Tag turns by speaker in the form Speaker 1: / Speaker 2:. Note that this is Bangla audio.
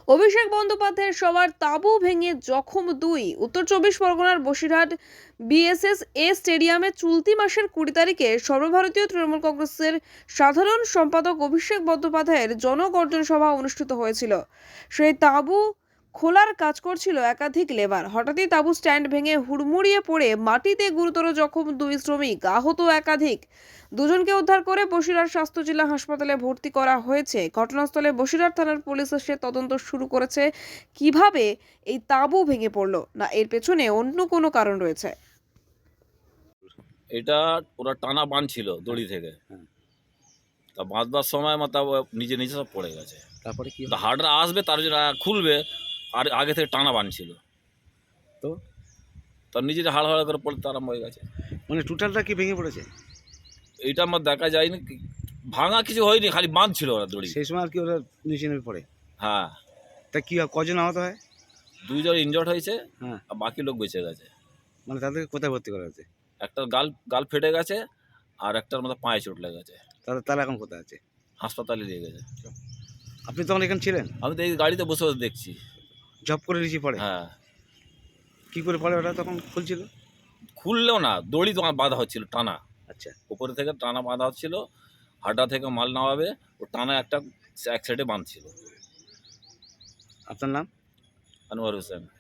Speaker 1: অভিষেক বন্দ্যোপাধ্যায়ের সবার তাঁবু ভেঙে জখম দুই। উত্তর চব্বিশ পরগনার বসিরহাট বিএসএস স্টেডিয়ামে চলতি মাসের 20 তারিখে সর্বভারতীয় তৃণমূল কংগ্রেসের সাধারণ সম্পাদক অভিষেক বন্দ্যোপাধ্যায়ের জনগর্জন সভা অনুষ্ঠিত হয়েছিল। সেই তাঁবু খোলার কাজ করছিল একাধিক লেবার। হঠাৎই তাঁবু স্ট্যান্ড ভেঙে হুড়মুড়িয়ে পড়ে মাটিতে গুরুতর জখম দুই শ্রমিক, আহত একাধিক। দুজনকে উদ্ধার করে বসিরহাট স্বাস্থ্য জেলা হাসপাতালে ভর্তি করা হয়েছে। ঘটনাস্থলে বসিরহাট থানার পুলিশ এসে তদন্ত শুরু করেছে। কিভাবে এই তাঁবু ভেঙে পড়লো, না এর পেছনে অন্য কোনো কারণ রয়েছে?
Speaker 2: এটা ওরা টানা বাঁধছিল দড়ি থেকে। তা বাঁধবার সময় নিজে নিজে সব পড়ে গেছে।
Speaker 3: তারপরে কি
Speaker 2: তা হার্ডরা আসবে, তার জন্য খুলবে, আর আগে থেকে টানা বাঁধছিল,
Speaker 3: তো
Speaker 2: তার নিজে হাড় হাড় করে পড়তে আরম্ভ হয়ে গেছে।
Speaker 3: মানে টোটালটা কি ভেঙে পড়েছে?
Speaker 2: এইটা আমার দেখা যায়নি, ভাঙা কিছু হয়নি, খালি বাঁধছিল ওরা দড়ি।
Speaker 3: সেই সময় আর কি ওরা নিচে নেমে পড়ে?
Speaker 2: হ্যাঁ,
Speaker 3: তা কি কজন আহত হয়?
Speaker 2: 2 জন ইনজর্ড হয়েছে,
Speaker 3: হ্যাঁ,
Speaker 2: আর বাকি লোক বেঁচে গেছে।
Speaker 3: মানে তাদেরকে কোথায় ভর্তি করা হয়েছে?
Speaker 2: একটার গাল গাল ফেটে গেছে, আর একটার মধ্যে পায়ে চোট লেগেছে,
Speaker 3: তারা এখন কোথায় আছে?
Speaker 2: হাসপাতালে নিয়ে গেছে।
Speaker 3: আপনি তখন এখানে ছিলেন?
Speaker 2: আমি তো এই গাড়িতে বসে বসে দেখছি।
Speaker 3: জব করে নিচে পড়ে?
Speaker 2: হ্যাঁ,
Speaker 3: কি করে পড়ে ওটা তখন খুলছিল?
Speaker 2: খুললেও না, দড়ি তো বাঁধা হচ্ছিল টানা,
Speaker 3: আচ্ছা,
Speaker 2: উপরে থেকে টানা বাঁধা হচ্ছিল, হাড্ডা থেকে মাল নামাবে, ও টানা এক সাইডে বাঁধছিল।
Speaker 3: আপনার নাম?
Speaker 2: আনোয়ার হোসেন।